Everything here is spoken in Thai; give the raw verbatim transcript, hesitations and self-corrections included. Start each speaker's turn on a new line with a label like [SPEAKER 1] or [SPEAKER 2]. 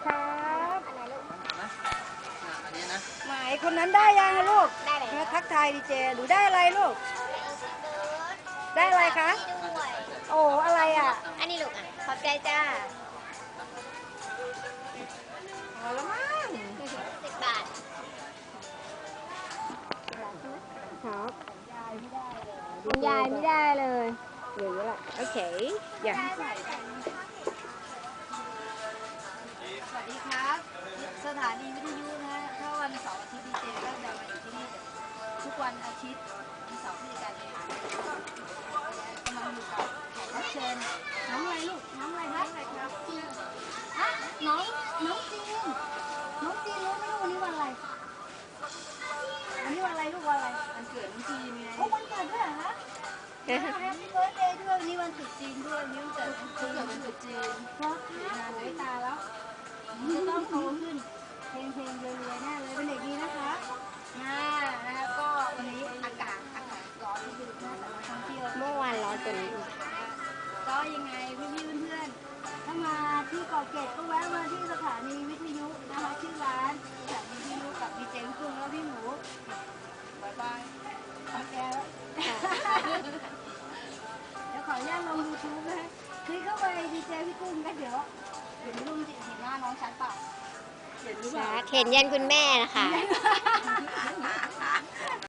[SPEAKER 1] ครับ
[SPEAKER 2] อันนี้นะ
[SPEAKER 1] หมายคนนั้นได้ยังอะลูก
[SPEAKER 3] ได้เลย
[SPEAKER 1] มาทักทายดีเจหนูได้อะไรลูก ได้อะไรคะ
[SPEAKER 3] ด้วย
[SPEAKER 1] โอ้อะไรอ่ะ
[SPEAKER 3] อันนี้ลูกอ่ะ ขอบใจจ้า
[SPEAKER 1] พอแล้วมั้ง
[SPEAKER 3] สิบบาท
[SPEAKER 1] ครับ
[SPEAKER 3] คุณยายไม่ได้เลย
[SPEAKER 1] เหลือละโอเคอย่าสวัสดีครับ สถานีวิทยุนะฮะถ้าวันเสาร์อาทิตย์ดีเจก็จะมาอยู่ที่นี่ทุกวันอาทิตย์วันเสาร์ที่การเรียนกำลังอยู่กับแขกรับเชิญน้องอะไรลูกน้องอะไรครับฮะน้องน้องจีนน้องจีนรู้ไหมลูกวันนี้วันอะไรวันนี้วันอะไรลูกวันอะไรวันเกิดน้องจีนไงโอ้วันเกิดด้วยเหรอคะแฮปปี้เบิร์ธเดย์ด้วยวันนี้วันตรุษจีนด้วยวันนี้วันเกิดน้องจีนวันตรุษจีนเพราะค่ะสายตาแล้วจะต้องโตขึ้นเพลงเพลงเรวยๆแน่เลยเป็นเด็กดีนะคะน่านะคะก็วันนี้อากาศอากาศร้อนนิดนึงนะแต่ว่าท่องเที่ยว
[SPEAKER 3] เมื่อวานร้อนกว่านี้
[SPEAKER 1] ก็ยังไงพี่ๆเพื่อนๆถ้ามาที่เกาะเกร็ดก็แวะมาที่สถานีวิทยุนะคะชื่อร้านสถานีวิทยุกับดีเจลูกกรุงแล้วพี่หมูบายบายโอเคแล้วเดี๋ยวขออนุญาตลงยูทูบนะคลิกเข้าไปดีเจพี่กุ้งก็เดี๋ยวเห็นรูปเห็นหน้าน้องชัดเปล่าเห็นหรือเปล่า
[SPEAKER 3] เห็นยันคุณแม่นะคะ